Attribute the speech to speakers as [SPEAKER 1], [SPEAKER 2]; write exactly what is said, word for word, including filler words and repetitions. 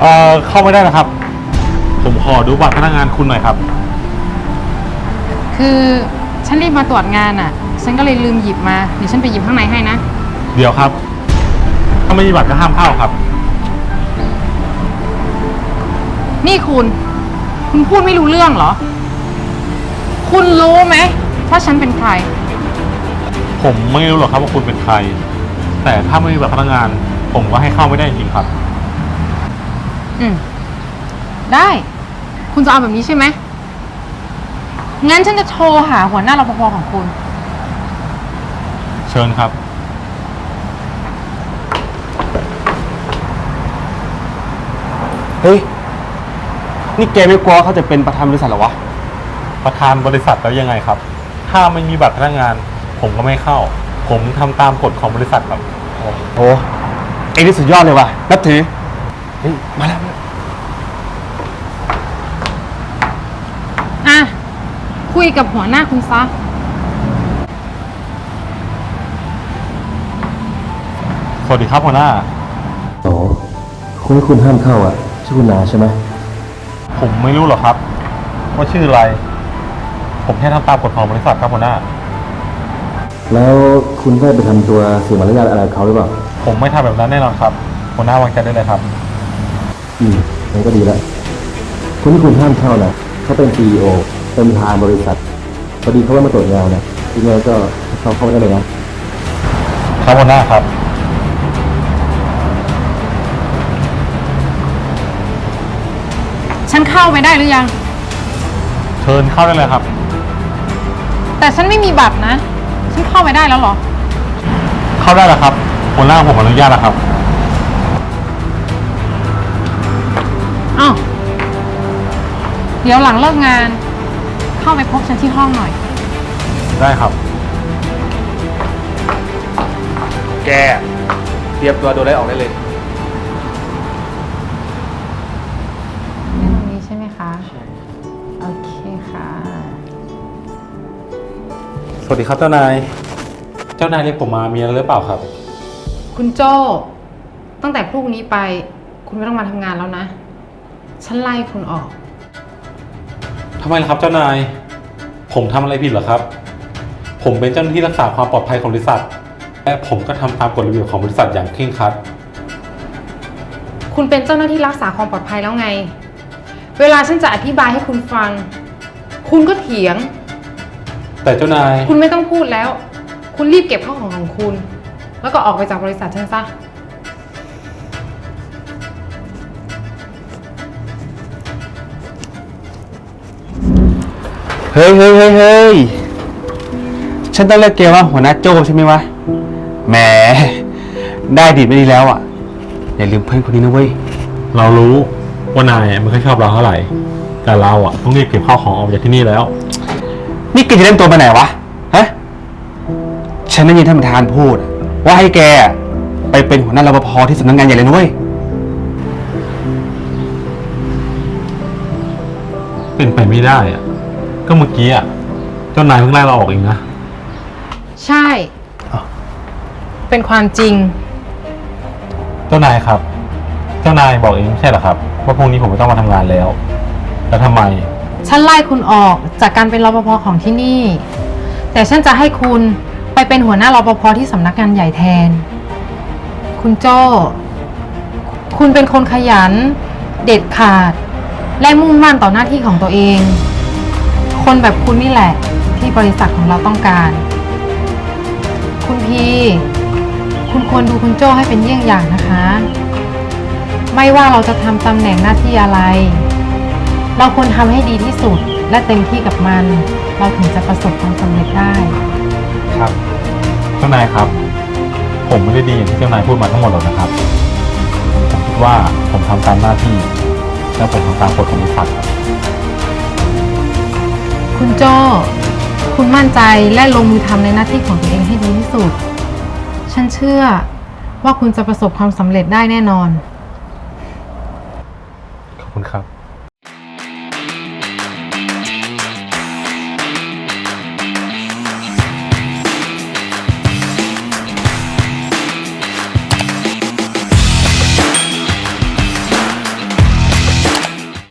[SPEAKER 1] เอ่อเข้าไม่ได้นะครับผมขอดูบัตรพนักงานคุณหน่อยครับ
[SPEAKER 2] คือฉันรีบมาตรวจงานอ่ะฉันก็เลยลืมหยิบมาเดี๋ยวฉันไปหยิบข้างในให้นะ
[SPEAKER 1] เดี๋ยวครับถ้าไม่มีบัตรก็ห้ามเข้าครับ
[SPEAKER 2] นี่คุณคุณพูดไม่รู้เรื่องเหรอคุณรู้ไหมว่าฉันเป็นใคร
[SPEAKER 1] ผมไม่รู้หรอกครับว่าคุณเป็นใครแต่ถ้าไม่มีบัตรพนักงานผมก็ให้เข้าไม่ได้จริงๆครับ
[SPEAKER 2] อืมได้คุณจะเอาแบบนี้ใช่ไหมงั้นฉันจะโทรหาหัวหน้ารปภของคุณ
[SPEAKER 1] เชิญครับ
[SPEAKER 3] เฮ้ยนี่แกไม่กลัวเขาจะเป็นประธานบริษัทหรอวะ
[SPEAKER 1] ประธานบริษัทแล้วยังไงครับถ้าไม่มีบัตรพนักงานผมก็ไม่เข้าผมทำตามกฎของบริษัทครับ
[SPEAKER 3] โอ้ไอ้นี่สุดยอดเลยว่ะนับถือเฮ้ยมาแล้ว
[SPEAKER 2] อ่ะคุยกับหัวหน้าคุณซะ
[SPEAKER 1] สวัสดีครับหัวหน้า
[SPEAKER 3] โอ้คนที่คุณห้ามเข้าอ่ะชื่อคุณนาใช่ไหม
[SPEAKER 1] ผมไม่รู้หรอกครับว่าชื่ออะไรผมแค่ทำตามกฎของบริษัทครับหัวหน้า
[SPEAKER 3] แล้วคุณได้ไปทำตัวเสียมารยาทอะไรเขาหรือเปล่า
[SPEAKER 1] ผมไม่ทำแบบนั้นแน่นอนครับหัวหน้าวางใจได้เลยครับ
[SPEAKER 3] อืมงั้นก็ดีแล้วคนที่คุณห้ามเข้าน่ะเขาเป็น ซี อี โอ เป็นประธานบริษัทพอดีเขาว่ามาตรวจงานนะยังไงก็เขาเข้าได้เลยนะครับ
[SPEAKER 1] หัวหน้าครับ
[SPEAKER 2] ฉันเข้าไปได้หรือยัง
[SPEAKER 1] เชิญเข้าได้เลยครับ
[SPEAKER 2] แต่ฉันไม่มีบัตรนะฉันเข้าไปได้แล้วหรอ
[SPEAKER 1] เข้าได้แล้วครับหัวหน้าผมอนุญาตแล้วครับ
[SPEAKER 2] อ้าวเดี๋ยวหลังเลิกงานเข้าไปพบฉันที่ห้องหน่อย
[SPEAKER 1] ได้ครับ
[SPEAKER 3] แกเตรียมตัวโดนไล่ออกได้เลย
[SPEAKER 2] ตรงนี้ใช่ไหมคะใช่โอเคค่ะ
[SPEAKER 1] สวัสดีครับเจ้านายเจ้านายเรียกผมมามีอะไรหรือเปล่าครับ
[SPEAKER 2] คุณโจ้ตั้งแต่พรุ่งนี้ไปคุณไม่ต้องมาทำงานแล้วนะฉันไล่คุณออก
[SPEAKER 1] ทำไมล่ะครับเจ้านายผมทำอะไรผิดเหรอครับผมเป็นเจ้าหน้าที่รักษาความปลอดภัยของบริษัทและผมก็ทำตามกฎระเบียบของบริษัทอย่างเคร่งครัด
[SPEAKER 2] คุณเป็นเจ้าหน้าที่รักษาความปลอดภัยแล้วไงเวลาฉันจะอธิบายให้คุณฟังคุณก็เถียง
[SPEAKER 1] แต่เจ้านาย
[SPEAKER 2] คุณไม่ต้องพูดแล้วคุณรีบเก็บข้าวของของคุณแล้วก็ออกไปจากบริษัทฉันซะ
[SPEAKER 3] เฮ้ยเฮ้ยเฮ้ยเฮ้ยฉันต้องเรียกแกว่าหัวหน้าโจ้ใช่ไหมวะแหมได้ดีไม่ดีแล้วอ่ะอย่าลืมเพื่อนคนนี้นะเว้ย
[SPEAKER 1] เรารู้ว่านายไม่ค่อยชอบเราเท่าไหร่แต่เราอ่ะต้องรีบเก็บข้าวของออกจากที่นี่แล้ว
[SPEAKER 3] นี่แกจะเล่นตัวไปไหนวะฮะฉันได้ยินท่านประธานพูดว่าให้แกไปเป็นหัวหน้ารปภที่สำนักงานใหญ่เลยนะเว้ย
[SPEAKER 1] เป็นไปไม่ได้อ่ะก็เมื่อกี้อ่ะเจ้านายเพิ่งไล่เราออกเองนะ
[SPEAKER 2] ใช่เป็นความจริง
[SPEAKER 1] เจ้านายครับเจ้านายบอกเองไม่ใช่เหรอครับว่าพรุ่งนี้ผมไม่ต้องมาทำงานแล้วแล้วทำไม
[SPEAKER 2] ฉันไล่คุณออกจากการเป็นรปภของที่นี่แต่ฉันจะให้คุณไปเป็นหัวหน้ารปภที่สำนักงานใหญ่แทนคุณโจ้คุณเป็นคนขยันเด็ดขาดและมุ่งมั่นต่อหน้าที่ของตัวเองคนแบบคุณนี่แหละที่บริษัทของเราต้องการคุณพีคุณควรดูคุณโจ้ให้เป็นเยี่ยงอย่างนะคะไม่ว่าเราจะทำตำแหน่งหน้าที่อะไรเราควรทำให้ดีที่สุดและเต็มที่กับมันเราถึงจะประสบความสำเร็จได้
[SPEAKER 1] ครับเจ้านายครับผมไม่ได้ดีอย่างที่เจ้านายพูดมาทั้งหมดหรอกนะครับผมคิดว่าผมทำตามหน้าที่และผมทำตามกฎของบริษัทครับ
[SPEAKER 2] คุณโจ้คุณมั่นใจและลงมือทำในหน้าที่ของตัวเองให้ดีที่สุดฉันเชื่อว่าคุณจะประสบความสำเร็จได้แน่นอน
[SPEAKER 1] ขอบคุณครับ